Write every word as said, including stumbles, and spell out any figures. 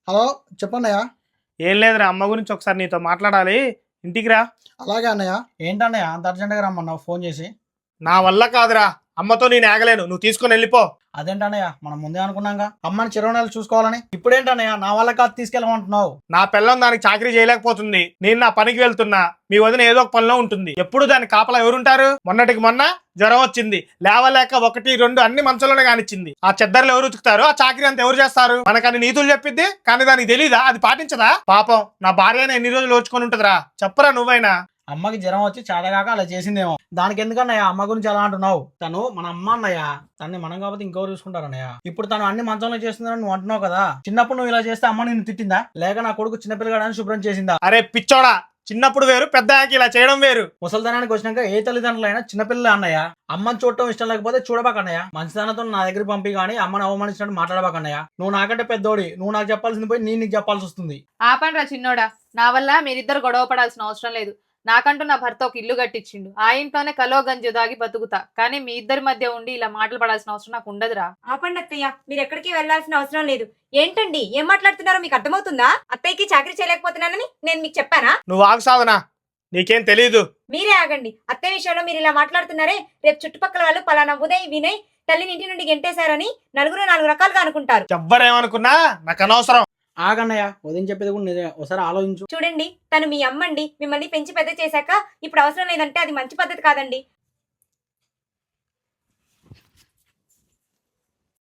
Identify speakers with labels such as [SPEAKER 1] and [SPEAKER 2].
[SPEAKER 1] Hello చెప్పన్నయ్య.
[SPEAKER 2] ఏం లేదురా, అమ్మ గురించి ఒకసారి నీతో మాట్లాడాలి, ఇంటికి రా.
[SPEAKER 1] అలాగే అన్నయ్య. ఏంటన్నయ్య అంత అర్జెంట్గా రమ్మన్నావు ఫోన్ చేసి?
[SPEAKER 2] నా వల్ల కాదురా, అమ్మతో నేను ఆగలేను, నువ్వు తీసుకొని వెళ్ళిపో.
[SPEAKER 1] అదేంటన్నయ్య, మనం ముందే అనుకున్నాగా అమ్మని చిరునెలు చూసుకోవాలని. ఇప్పుడేంటన్నయ్య నా వల్ల కాదు తీసుకెళ్ళమంటున్నావు?
[SPEAKER 2] నా పిల్లం దానికి చాకరీ చేయలేకపోతుంది, నేను నా పనికి వెళ్తున్నా, మీ వదిన ఏదో ఒక పనిలో ఉంటుంది. ఎప్పుడు దాని కాపలా ఎవరుంటారు? మొన్నటికి మొన్న జ్వరం వచ్చింది, లేవలేక ఒకటి రెండు అన్ని మంచంలోనే కానిచ్చింది. ఆ చెద్దర్లు ఎవరు ఉతుకుతారు? ఆ చాకరీ అంతా ఎవరు చేస్తారు? మనకని నీతులు చెప్పిద్ది, కానీ దానికి తెలీదా? అది పాటించదా? పాపం నా భార్యనే ఎన్ని రోజులు ఓర్చుకొని ఉంటుందిరా, చెప్పరా నువ్వైనా.
[SPEAKER 1] అమ్మకి జ్వరం వచ్చి చాదగాక అలా చేసిందేమో. దానికి ఎందుకన్నయ్య అమ్మ గురించి అలా అంటున్నావు? తను మన అమ్మ అన్నయ్య, తన్ని మనం కాబట్టి ఇంకెవరు చూసుకుంటారన్నయ్య. ఇప్పుడు తను అన్ని మంచంలో చేస్తుందని నువ్వు అంటున్నావు కదా, చిన్నప్పుడు నువ్వు ఇలా చేస్తే అమ్మ నిన్ను తిట్టిందా, లేక నా కొడుకు చిన్నపిల్లగాడని శుభ్రం చేసిందా?
[SPEAKER 2] అరే పిచ్చోడా, చిన్నప్పుడు వేరు, పెద్దకి ఇలా చేయడం వేరు.
[SPEAKER 1] ముసలితనానికి వచ్చినాక ఏ తల్లిదండ్రులైనా చిన్నపిల్లలు అన్నయ్య. అమ్మని చూడటం ఇష్టం లేకపోతే చూడబాకన్నయ్య. మంచితనంతో నా దగ్గర పంపి కానీ అమ్మని అవమానించినట్టు మాట్లాడబాకన్నయ్య. నువ్వు నాకంటే పెద్దోడి, నువ్వు నాకు చెప్పాల్సింది పోయి నేను నీకు చెప్పాల్సి వస్తుంది.
[SPEAKER 3] ఆపండ్రా చిన్నోడా, నా వల్ల మీరిద్దరు గొడవ పడాల్సిన అవసరం లేదు. నాకంటూ నా భర్త ఒక ఇల్లు కట్టించిండు, ఆ ఇంట్లోనే కలో గంజు దాగి బతుకుతా, కానీ మీ ఇద్దరి మధ్య ఉండి ఇలా మాటలు పడాల్సిన అవసరం నాకు ఉండదురా.
[SPEAKER 4] ఆపండి అత్తయ్య, మీరు ఎక్కడికి వెళ్లాల్సిన అవసరం లేదు. ఏంటండి ఏం మాట్లాడుతున్నారో మీకు అర్థమవుతుందా? అత్తయ్యకి చాకరీ చేయలేకపోతున్నానని నేను మీకు చెప్పానా?
[SPEAKER 2] నువ్వు ఆగు సాధనా, నీకేం తెలీదు.
[SPEAKER 4] మీరే ఆగండి. అత్తయ్య విషయంలో మీరు ఇలా మాట్లాడుతున్నారే, రేపు చుట్టుపక్కల వాళ్ళు పలానా ఉదయ్ వినయ్ తల్లిని ఇంటి నుండి గెంటేశారని నలుగురు నాలుగు రకాలుగా అనుకుంటారు.
[SPEAKER 2] ఎవ్వరేమనుకున్నా నాకు అనవసరం.
[SPEAKER 1] ఆగన్నయ్య, వదిన చెప్పేది కూడా నిజమే, ఒకసారి ఆలోచించు.
[SPEAKER 4] చూడండి, తను మీ అమ్మండి, మిమ్మల్ని పెంచి పెద్ద చేశాక ఇప్పుడు అవసరం లేదంటే అది మంచి పద్ధతి కాదండి.